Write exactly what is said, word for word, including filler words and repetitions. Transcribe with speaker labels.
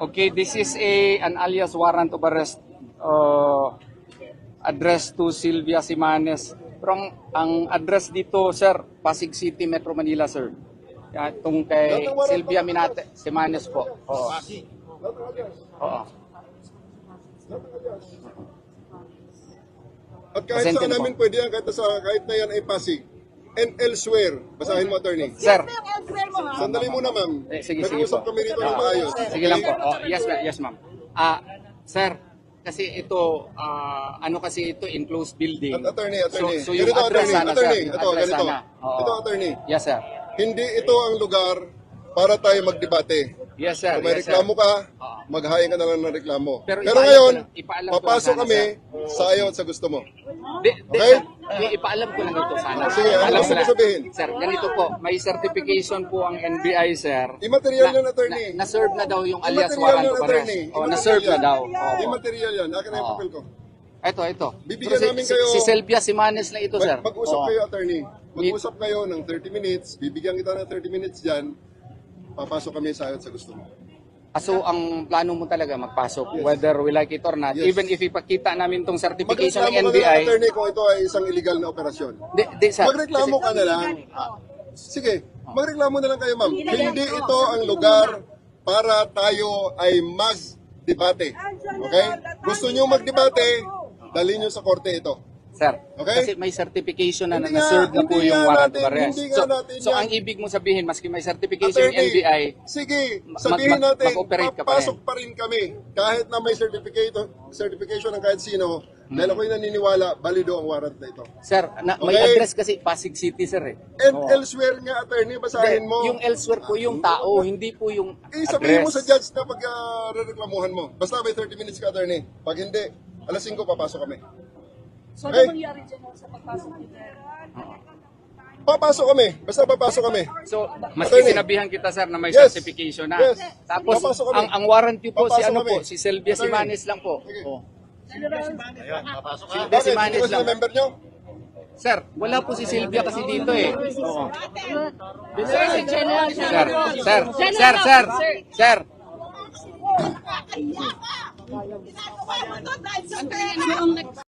Speaker 1: Okay, this is a an alias warrant of arrest uh, addressed to Sylvia Simanes. Pero ang, ang address dito, sir, Pasig City, Metro Manila, sir. Yan, itong kay Sylvia Minate, Simanes po. Oo. Oo.
Speaker 2: At kahit
Speaker 1: Presente
Speaker 2: saan
Speaker 1: na po.
Speaker 2: namin pwede yan, kahit, sa, kahit na yan ay Pasig. And elsewhere, basahin mo, attorney.
Speaker 1: Sir,
Speaker 2: Sandali muna, ma'am.
Speaker 1: Eh, sige, sige
Speaker 2: Nag-uusap
Speaker 1: po.
Speaker 2: kami rito ng maayos.
Speaker 1: sige lang po. Oh, yes, ma'am. Yes, ma'am. Ah, sir, kasi ito, ah, ano kasi ito, enclosed building.
Speaker 2: At attorney, attorney.
Speaker 1: So, so yung
Speaker 2: Ganito,
Speaker 1: address
Speaker 2: attorney,
Speaker 1: sana,
Speaker 2: attorney.
Speaker 1: sir. Yung
Speaker 2: Ito,
Speaker 1: address
Speaker 2: ganito.
Speaker 1: sana. Oo.
Speaker 2: Ito, attorney.
Speaker 1: Yes, sir.
Speaker 2: Hindi ito ang lugar para tayo magdebate.
Speaker 1: Yes, sir.
Speaker 2: Kung may
Speaker 1: Yes, sir.
Speaker 2: reklamo ka,
Speaker 1: Oo.
Speaker 2: maghahain ka na lang ng reklamo.
Speaker 1: Pero
Speaker 2: Pero,
Speaker 1: ipaalam
Speaker 2: ngayon,
Speaker 1: ko lang- ipaalam ko lang
Speaker 2: papasok
Speaker 1: sana,
Speaker 2: kami sa ayaw at sa gusto mo.
Speaker 1: Di, di,
Speaker 2: Okay?
Speaker 1: sir, di, ipaalam ko lang ito sana.
Speaker 2: Sige, ano
Speaker 1: Ipaalam
Speaker 2: gusto
Speaker 1: ko
Speaker 2: mo
Speaker 1: lang.
Speaker 2: sabihin?
Speaker 1: Sir, ganito po, may certification po ang N B I, sir.
Speaker 2: Immaterial yan, attorney.
Speaker 1: Na, na-serve na daw yung alias
Speaker 2: Immaterial
Speaker 1: warrant
Speaker 2: yan,
Speaker 1: of arrest.
Speaker 2: attorney.
Speaker 1: Oh, na-serve na daw. Oo.
Speaker 2: Immaterial yan. Akin na yung
Speaker 1: Oo.
Speaker 2: papel ko.
Speaker 1: Ito, ito.
Speaker 2: Bibigyan
Speaker 1: Pero
Speaker 2: namin
Speaker 1: si,
Speaker 2: kayo-
Speaker 1: si Sylvia Simanes na ito, sir.
Speaker 2: Mag- mag-usap
Speaker 1: Oo.
Speaker 2: kayo, attorney. Mag-usap kayo ng thirty minutes. Bibigyan kita ng thirty minutes dyan. Papasok kami sa ayaw at sa gusto mo.
Speaker 1: Ah, so, ang plano mo talaga magpasok, whether we like it or not,
Speaker 2: Yes.
Speaker 1: even if ipakita namin itong certification ng
Speaker 2: Magreklamo
Speaker 1: N
Speaker 2: ka
Speaker 1: B
Speaker 2: na,
Speaker 1: I,
Speaker 2: attorney, kung ito ay isang illegal na operasyon.
Speaker 1: di, di, sir.
Speaker 2: Magreklamo ka na lang. Ah, Sige, magreklamo na lang kayo, ma'am. Hindi ito ang lugar para tayo ay mag-debate. Okay? Gusto nyo mag-debate, dalhin nyo sa korte ito.
Speaker 1: Sir,
Speaker 2: Okay?
Speaker 1: kasi may certification na
Speaker 2: Hindi
Speaker 1: na-serve
Speaker 2: nga,
Speaker 1: na po
Speaker 2: hindi
Speaker 1: yung
Speaker 2: nga
Speaker 1: warrant of
Speaker 2: natin-
Speaker 1: arrest.
Speaker 2: hindi nga
Speaker 1: So,
Speaker 2: natin
Speaker 1: so
Speaker 2: yan.
Speaker 1: ang ibig mo sabihin, maski may certification yung N B I,
Speaker 2: sige,
Speaker 1: mag-
Speaker 2: sabihin
Speaker 1: mag-
Speaker 2: natin,
Speaker 1: mag-operate ka pa
Speaker 2: papasok pa rin kami. Kahit na may certificate, certification ng kahit sino,
Speaker 1: Hmm.
Speaker 2: dahil ako'y naniniwala, balido ang warrant na ito.
Speaker 1: sir, na, may
Speaker 2: Okay.
Speaker 1: address kasi Pasig City, sir eh.
Speaker 2: And
Speaker 1: Oo.
Speaker 2: elsewhere nga, attorney, basahin mo.
Speaker 1: Yung elsewhere po yung tao, hindi po yung
Speaker 2: Eh, sabihin mo sa
Speaker 1: address.
Speaker 2: judge na pag uh, reklamuhan mo. Basta may thirty minutes ka, attorney. Pag hindi, alas singko papasok kami.
Speaker 3: So,
Speaker 2: Okay.
Speaker 3: ano mangyari dyan sa pagpasok nito?
Speaker 2: Papasok kami. Basta papasok kami.
Speaker 1: So, maski
Speaker 2: Attorney.
Speaker 1: sinabihan kita, sir, na may
Speaker 2: Yes.
Speaker 1: certification na.
Speaker 2: Yes.
Speaker 1: Tapos,
Speaker 2: Papasok kami.
Speaker 1: ang, ang warranty po, si
Speaker 2: Papasok
Speaker 1: ano
Speaker 2: kami.
Speaker 1: po, si Sylvia
Speaker 2: Attorney.
Speaker 1: Simanes lang po.
Speaker 2: Sige.
Speaker 1: Oh. Sylvia
Speaker 2: Bakit? Hindi
Speaker 1: Simanes
Speaker 2: ba sila
Speaker 1: lang.
Speaker 2: member nyo?
Speaker 1: Sir, wala po si Sylvia kasi dito eh. Oo.
Speaker 3: Sir, si General.
Speaker 1: Sir, sir, sir, sir, sir.
Speaker 3: Yung